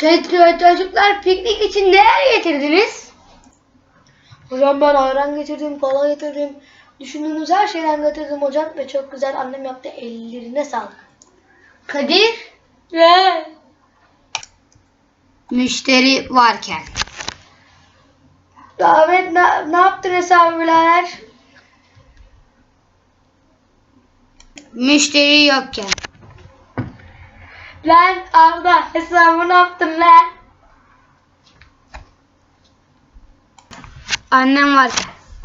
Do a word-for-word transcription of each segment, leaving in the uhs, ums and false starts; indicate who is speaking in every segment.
Speaker 1: Çocuklar, piknik için neler getirdiniz?
Speaker 2: Hocam ben ayran getirdim, kola getirdim. Düşündüğünüz her şeyden getirdim hocam ve çok güzel annem yaptı. Ellerine sağlık.
Speaker 1: Kadir,
Speaker 2: Ne?
Speaker 1: müşteri varken.
Speaker 2: Davet ne, ne yaptın hesabı birader?
Speaker 1: Müşteri yokken.
Speaker 2: Lan Arda hesabı ne yaptın lan?
Speaker 1: Annem varken.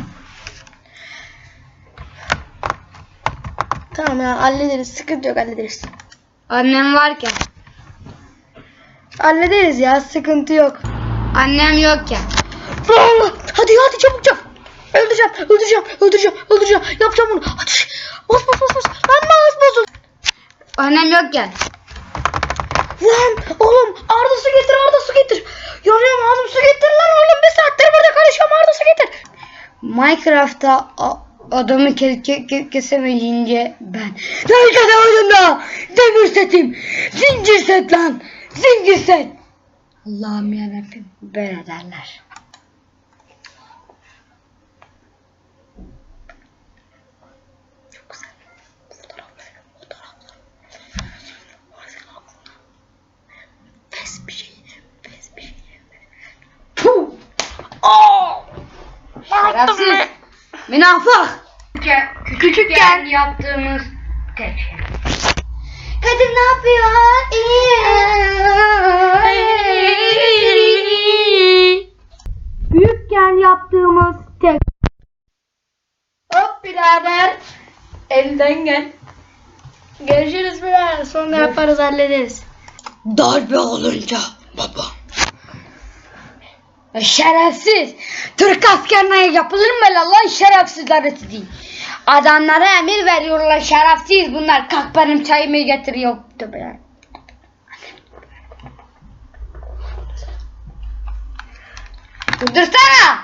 Speaker 2: Tamam ya hallederiz, sıkıntı yok, hallederiz.
Speaker 1: Annem varken.
Speaker 2: Hallederiz ya, sıkıntı yok.
Speaker 1: Annem yokken.
Speaker 2: Allah! Hadi hadi çabuk çabuk. Öldüreceğim, öldüreceğim, öldüreceğim, öldüreceğim. Yapacağım bunu. Hadi. Bas bas bas bas. Lan bas bas.
Speaker 1: Annem yokken.
Speaker 2: Lan oğlum Arda su getir, Arda su getir. Yanıyorum ağzım, su getir lan oğlum. Bir saattir burada karışıyorum, Arda su getir.
Speaker 1: Minecraft'ta adamı ke ke ke kesemeyince ben. Lan kesemedim ya. Demir setim. Zincir set lan. Zincir set. Allah'ım yarabbim. Böyle derler.
Speaker 2: Çok güzel. Fotoğraflar, fotoğraflar. Pes bir şey, pes bir şey.
Speaker 1: Puh.
Speaker 2: Aa!
Speaker 1: Şerefsiz. Münafık. Küçükken yaptığımız tek şey.
Speaker 2: Kadir ne yapıyor?
Speaker 1: Büyükken yaptığımız tek.
Speaker 2: Hop birader. Elden gel. Görüşürüz birader. Sonra yaparız, hallederiz.
Speaker 1: Darbe olunca baba. Şerefsiz. Türk askerine yapılır mı lan şerefsizler sizi? Adamlara emir veriyorlar, şerefsiz bunlar. Kalk benim çayımı getiriyor. Tövbe. Durdursana.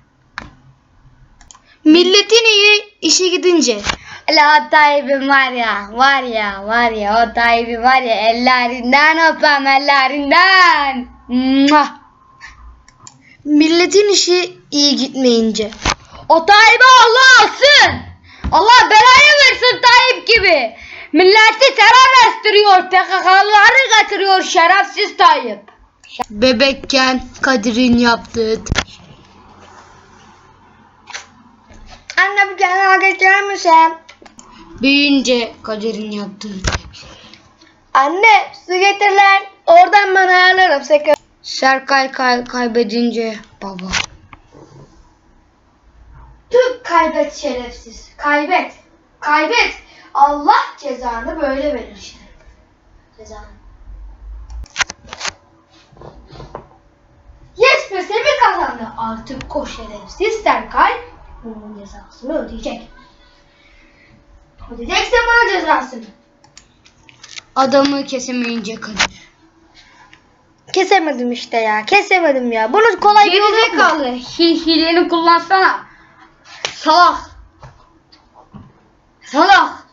Speaker 2: Milletin iyi işe gidince.
Speaker 1: La o Tayyip'in var ya, var ya, var ya, o Tayyip'i var ya, ellerinden öpem, ellerinden. Muah.
Speaker 2: Milletin işi iyi gitmeyince.
Speaker 1: O Tayyip'i Allah alsın. Allah belayı versin Tayyip gibi. Milleti terör estiriyor, P K K'lıları getiriyor şerefsiz Tayyip.
Speaker 2: Bebekken Kadir'in yaptığı. Anne bir tane geçer misin?
Speaker 1: Büyüyünce Kadir'in yaptığı.
Speaker 2: Anne su getir lan. Oradan ben ayarlarım sakın.
Speaker 1: Serkay kay kaybedince baba.
Speaker 2: Tüh, kaybet şerefsiz. Kaybet. Kaybet. Allah cezanı böyle verir işte. Cezanı. Yes be Semih kazandı. Artık o şerefsiz Serkay bunun cezasını ödeyecek. Ödeyecekse bana cezasını.
Speaker 1: Adamı kesemeyince Kadir.
Speaker 2: Kesemedim işte ya. Kesemedim ya. Bunu kolay bir yolu yok mu?
Speaker 1: Gerizekalı. Hi hileni kullansana. Salak. Salak.